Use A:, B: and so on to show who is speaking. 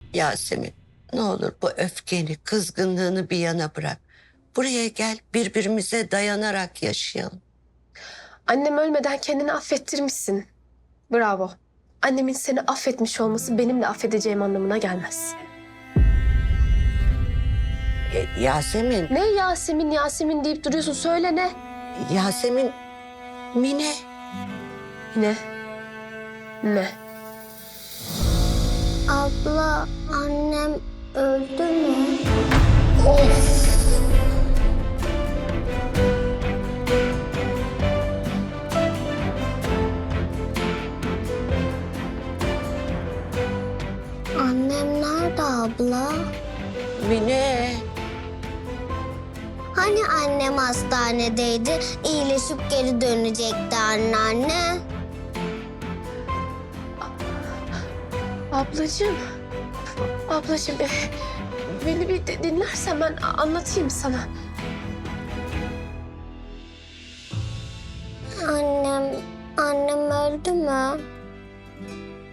A: Yasemin, ne olur bu öfkeni, kızgınlığını bir yana bırak. Buraya gel, birbirimize dayanarak yaşayalım.
B: Annem ölmeden kendini affettirmişsin. Bravo. Annemin seni affetmiş olması benim de affedeceğim anlamına gelmez.
A: Yasemin,
B: Ne Yasemin Yasemin deyip duruyorsun, söyle ne?
A: Yasemin, Mine.
B: Ne? Ne?
C: Abla, annem öldü mü? Annem nerede abla?
A: Mine.
C: Hani annem hastanedeydi, iyileşip geri dönecekti anneanne.
B: Ablacığım. Ablacığım, beni bir dinlersen ben anlatayım sana.
C: Annem öldü mü?